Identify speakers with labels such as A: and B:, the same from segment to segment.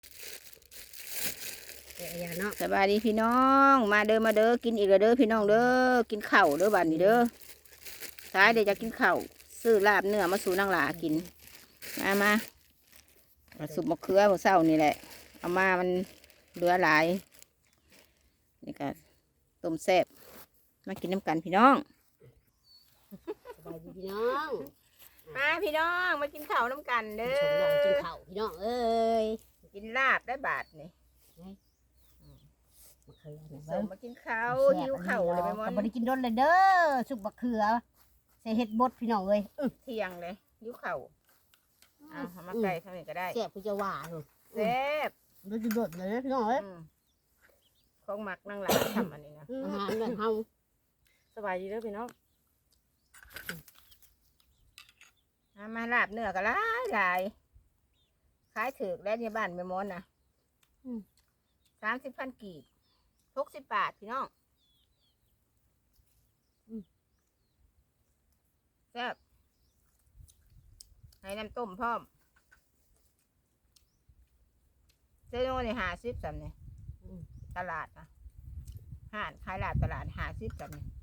A: อย่าเนาะ
B: สบายดีพี่น้องมาเด้อมาเด้อกินอีกแล้วเด้อพี่น้องเด้อกินข้าวเด้อบัดนี้เด้อท้ายเดี๋ยวจะกินข้าวซื้อลาบเนื้อมาสู่นางหลากินมาสุกมะเขือมื้อเช้านี่แหละเอามามันเหลือหลายนี่ก็ต้มแซ่บมากินน้ำกันพี่น้อง
A: สบายดีพี่น้อง
B: มาพี่น้องมากินข้าวน้ำกันเด้
A: ชมน้องกิน
B: อ
A: ข้าวพี่น้องเอ้ย
B: กินลาบได้บาทนี่
A: มะเขือเนี่ย
B: ส่งมากินข้าวหิวข้าวเลยไปหมด
A: ก็บ่ได้กินดนเลยเด้อสุกมะเขือใส่เห็ดบดพี่น้องเอ้ย
B: เที่ยงเลยหิวข้าวเอามาไก่ทำนี่ก็ได้
A: แซ่บคือจะว่าลูก
B: แซ่บ
A: ดูจะโดดเลยพี่น้องเอ้ย
B: ของหมักนางหลาทำอันนี้นะ
A: อาหารแบบเฮา
C: สบายดีเด้อพี่น้อง
B: มาลาบเนื้อก็หลายหลายขายถือแล้วในบ้านไม่มอนนะ30,000 กีบ60 บาทพี่น้องแซ่บให้น้ำต้มพร้อมเจ้าโน่นี่50 สำเนี่ยตลาดนะห้านขายลาบตลาด50 สำเนี่ย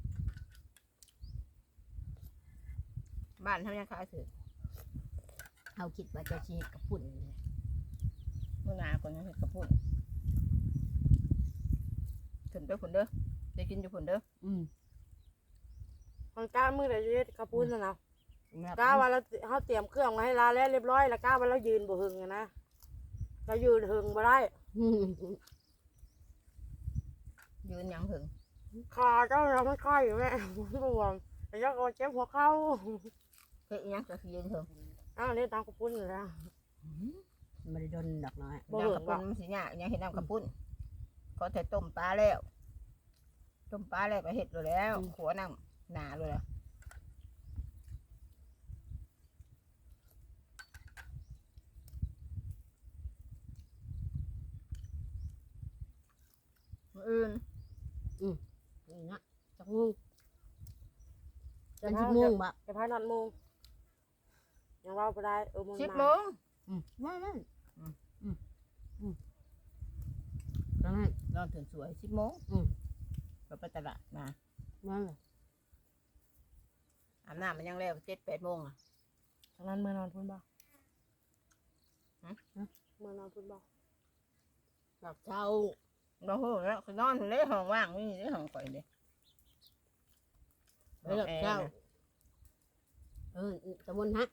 B: บ้านเท่านี้ขายถือ
A: เฮาคิดว่าจะชีกับปุ่นเลย
B: เมื่อหนาคนนี้กระปุ่นถึงไปผุนเด้อจะกินอยู่ผุนเด้อ
C: มันกล้ามือแต่เย็ดกระปุ้นนะเนาะกล้าว่าเราเขาเตรียมเครื่องมาให้ลาแล้วเรียบร้อยแล้วกล้าว่าเรายืนบ่หึงอะนะเรายืนหึงบ่ได้
B: ยืนยังถึง
C: ขาเจ้าเราไม่ค่อยอยู่แม่บวมแต่เจ้าก็เจ็บหัวเข่า
B: เฮ้ยยังจะยืนถึง
C: อ้าวนี่ตามกระปุ้นอยู่แล้ว
A: ไม่ได้โดนดอกน้อย
C: บ่
B: น้ำ
C: เหิ
B: กระ
C: ง
B: ปุ้
C: ว่ะ
B: นมันสิเนี่ยยังเห็นน้ำกระปุ้นเขาแต่ต้มปลาแล้วต้มปลาแล้วก็เห็ดเลยแล้วขัวน้ำหนาเลยแล้วมื้ออื่น
A: นี่นะจักมุ่งจันชิมุ่งบะ
C: จะพานอนมุงยังว่าบ่ได้มึง
B: 10
C: มา
B: โมง
A: ว่านั่น
B: นอนถึงสวย10 โมงก็ไปตลาดมา
A: นั่นแหละ
B: อาบน้ำมันยังแล้ว7-8 โมงอ่ะ
C: ทางนั้นมือนอนพุ่นบ่
B: ฮะ
C: มือนอนพุ่นบ่
A: ดอกเช้า
B: เราโหแล้วคือนอนอยู่ในห้องว่างนี่ในห้องข่อยเด้
A: ดอกเช้าตะมนฮะ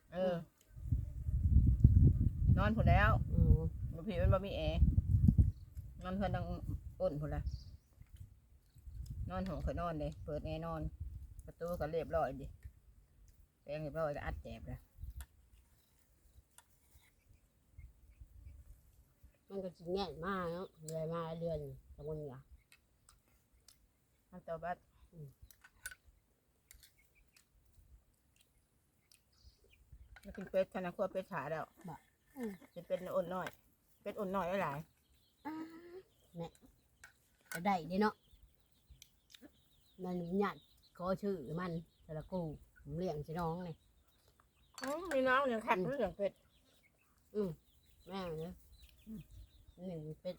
B: นอนผุนแล้ว
A: อืม
B: บางทีมันบ่มีแอร์นอนเพื่อนดังอ้นผุนละนอนห้องข่อยนอนเลยเปิดแอร์นอน ประตูก็เรียบร้อยดิแปรงเรียบร้อยแล้วอัดแจบแล้ว
A: มันก็สิแง่มากเนาะเดือนมาเดือนตะมนเหรอ
B: มันตัวบัดแล้วกินเป็ดธนาครัวเป็ดขาแล้วจะเป็นอ่อนน้อยเป็ดอ่อนน้อยหลาย
A: ก็ได้เด้เนาะมันหยัดขอชื่อมันแต่ละกูผมเลี้ยงสิน้องนี่
B: มีน้องยังขัดเรื่องเป็ด
A: แม่เนี่ยหนึ่งเป็ด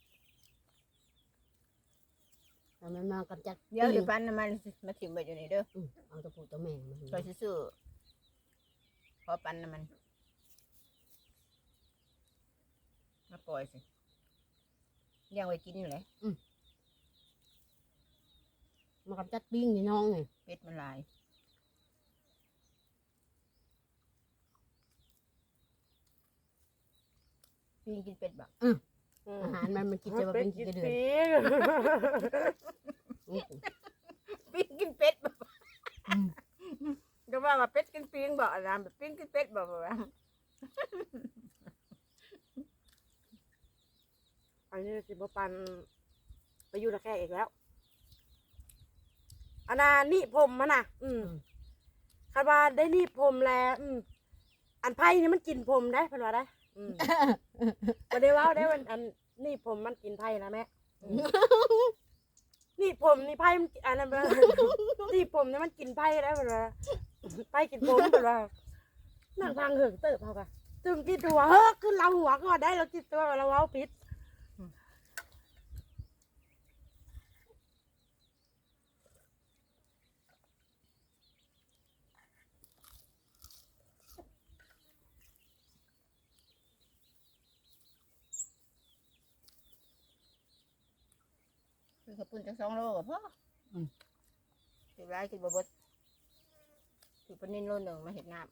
A: แต่มันมากำจัด
B: เดี๋ยวเดี๋ยวปั้นน้ำมันมาถิ่มไว้อยู่นี่เด้อ
A: เอาตัวผู้ตัวแม่มา
B: คอยซื้อพอปั้นน้ำมันมาปล่อยสิเลี้ยงไว้กินอยู่เลย
A: มากำจัดปิ้งนี่น้องนี่
B: เป็ดมันหลายพี่กินเป็ดบัก
A: อาหารมันกินจะมาเป็นกี่เดือน
B: ปิ้งกินเป็ดบอกก็ว่าเป็ดกินปิ้งบอกอะไรแบบปิ้งกินเป็ดบอกว่า
C: อันนี้สิบ่ปันไปอยู่ตะแคงอีกแล้วอันน่ะนี่ผมมันน่ะคาดว่าได้นี่ผมแล้วอันไผ่นี่มันกินผมได้เพิ่นว่าได้บ่ได้เว้าได้มันอันนี่ผมมันกินไผ่นะแม่นี่ผมนี่ไผ่มันอันนั้นนี่ผมนี่มันกินไผ่ได้เพิ่นว่าไผ่กินผมเพิ่นว่านั่งทางเหิงเติบเฮากะตึงกินหัวเฮ้อขึ้นเราหัวก่อนได้เรากินตัวเราเอาพิษ
B: คือกระปุนจัง2 โลกับพ่อสิร้ายกินบ่เบิดถือปลานิ่นโลหนึ่งมาเห็ดน้ำ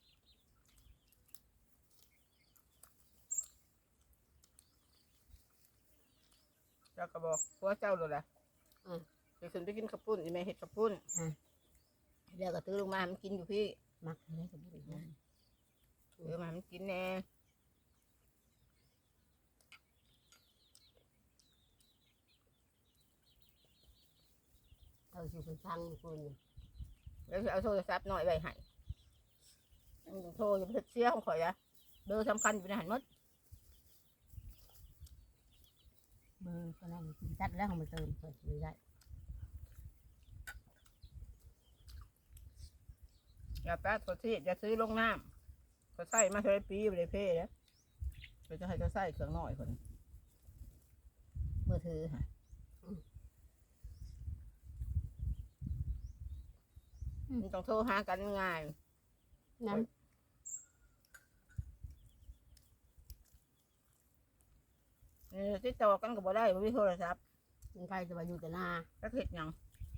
B: เจ้าก็บอกผัวเจ้าเลยแหละเดี๋ยวขึ้นไปกินกระปุนอีแม่เห็ดกระปุนเดี๋ยวก็ตื้อลงมาให้มันกินอยู่พี่
A: มักได้กับบุญนะ
B: เดี๋ยวมาให้มันกินแน่
A: เอาสิคุณฟังคุณ
B: แล้วจะเอาโทรศัพท์หน่อยไว้ให้โทรจะเสียของข่อยอะเบอร์สำคัญอยู่ในหันหมด
A: เบอร์ก็นั่งกินจัดแล้วของมันเติมเปิดไม่ได้
B: อย่าแป๊ดตัวที่อย่าซื้อลงน้ำก็ใส่มาเท่าไรปีอยู่ในเพ่แล้วเราจะให้เจะใส่เครื่องหน่อยคนมือถือฮะมันต้องโทรหากันง่าย
A: น้
B: ติดต่อกันก็บ่ได้บ่มีโทรศัพท์
A: ำมันใครจะมาอยู่แต่หน้า
B: ก็เห็ดหยัง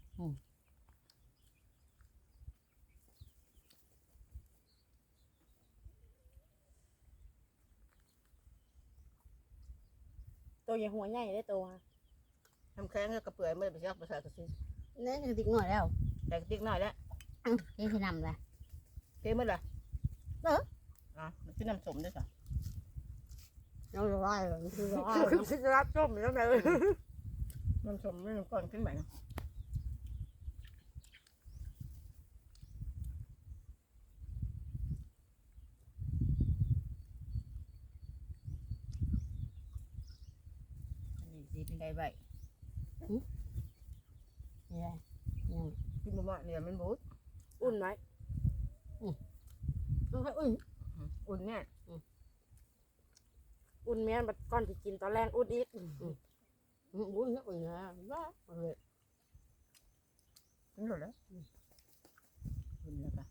C: ตัวใหญ่หัวใหญ่ได้ตัว
B: ทำแข้งก็กระเปื่อยไม่ได้ไปชักไปใส่กระซิบ
A: เนี่ยจะติ๊กหน่อยแล้ว
B: แต่กระติ๊กหน่อยแล้ว
A: นี่คือนำเลย
B: เท่หมดละมันคือน้ำสมด้วยค่ะ
A: เราร้อยเลยคือร้อย
C: คือพิจารณาจมแล้วไง
B: น้ำสมไม่น้ำก้อนขึ้นไป อันนี้สีเป็นไงใบ
A: นี่แหละยัง
B: ที่มันว่าเนี่ยมันบูด
C: อุ่นไหม
A: ต้องให้อุ่น
B: อุ่นเนี่ย
C: อุ่นเมียนบัดก้อนที่กินตอนแรกอุ่นอีก
A: อุ่นนะอุ่นนะว้าเลย
B: ถึงหมดแล้วอุ่นแล้วค่ะ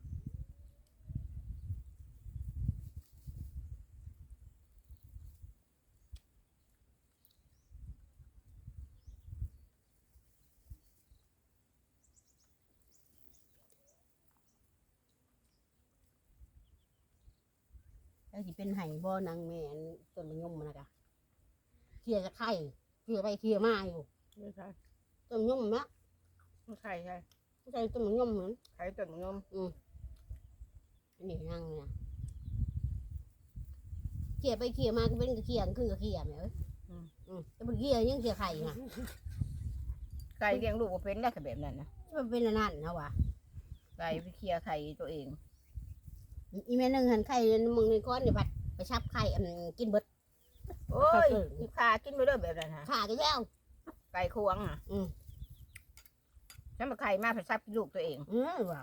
A: แล้วที่เป็นไห่บ่อนางแม่ต้นมะยมมันนะกะเคลียร์จะไข่เคลียร์ไปเคลียร์มาอยู่
B: ไม่ใช่
A: ต้นมะยมนะ
B: ไม่ใช่ใช่
A: ไม่ใช่ต้นมะยมเหมือน
B: ไข่ต้นมะยม
A: อันนี้นั่งเนี่ยเคลียร์ไปเคลียร์มาก็เป็นกระเคียงขึ้นกระเคียงแม่เอ้ยแต่เป็นเคลียร์ยังเคลียร์ไข่นะ
B: ไก่เลี้ยงลูกว่าเป็นได้กับแบบนั้นนะ
A: มันเป็นอันนั่นนะวะ
B: ไก่ไปเคลียร์ไข่ตัวเอง
A: อีแม่นึงหันไข่มึงในก้อนเนี่ยบัดไปชับไข่อันกินเบิด
B: โอ้ยที่ขากินไปเรื่อยแบบนั้นฮะ
A: ขากันแล้ว
B: ไก่ควงอ่ะฉันมาไข่มาผัดซับลูกตัวเอง
A: ว่ะ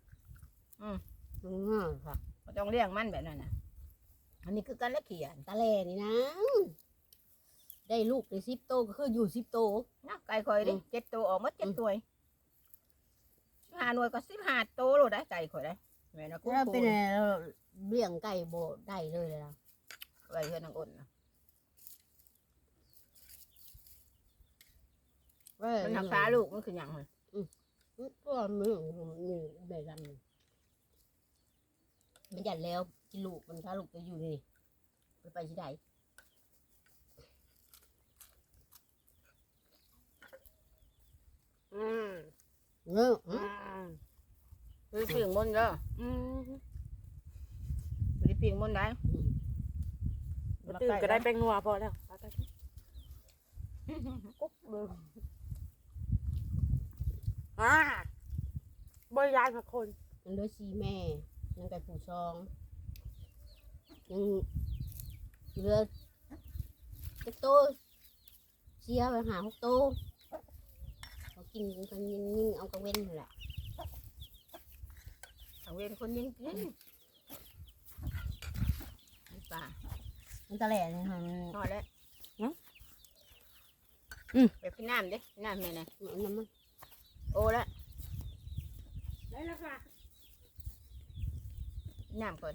A: ค่ะ
B: มันต้องเลี้ยงมันแบบนั้นนะอันนี้คือการเลี้ยงเขียน
A: ตาแลนี่นะได้ลูกได้10 โตก็คืออยู่10 โต
B: นะไก่คอยดิ7 ตัวออกมา7 ตัว15 หน่วยก็15 ตัวโลดได้ไก่คอยได้แม่นะกู
A: แล้วเป็นเลี้ยงไก่โบได้เลยแล้ว
B: ไก่เฮือนนางอ้นนะมันทำฟ้าลูกมันคือหยังเลย
A: ก็มือนี่แบบนั้นมันหยัดแล้วกินลูกมันถ้าลูกจะอยู่นี่ไปที่ใด เนอะ
B: คือปิ่งมนเด้อคือปิ่งมนได้
C: ตื่นก็ได้แป้งนัวพอแล้วกุ๊บเลยบริยานกับคน
A: ยังด้วยซีแม่ยังไก่ผูซองยังเหลือจะโตเสียไปหา6 โตเขากินกันยิ่งเอากระเว้นแหละ
B: ทางเวรคนยิงกินปลา
A: มันตะแหล่เนี่ยค่ะ
B: นอนแล้วแบบกินน้ำดิกินน้ำแม่น่ะ
A: น้ำมัน
B: โอ้แล้ว
C: ได้แล้วค่ะ
B: กินน้ำก่อน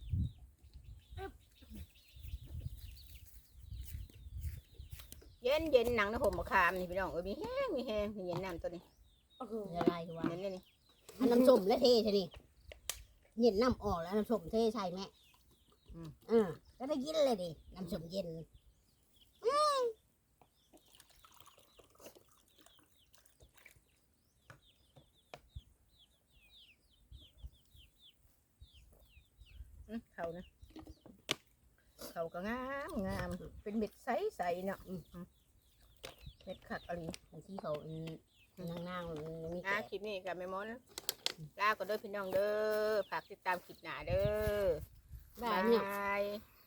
B: เย็นเย็นหนังนะผมมะขามนี่พี่น้องมีแห้งมีแห้งเย็นน้ำตัวนี้
C: โอ้โห
A: ละลายคือว่า
B: เย็นนี่
A: อันน้ำส้มและเทใช่ดิเย็นน้ำออกแล้วน้ำส้มเทใช่ไหมก็ได้กินเลยดิน้ำส้มเย็น
B: เขานะเขาก็งามงามเป็นเม็ดใสใสเนาะเม็ดขักอะไร
A: บางทีเขานางๆมี
B: คลิปนี้กับแม่มอนลาก็เด้อพี่น้องเด้อฝากติดตามคลิปหน้าเด้อ
A: ได้เนี่ย
B: บาย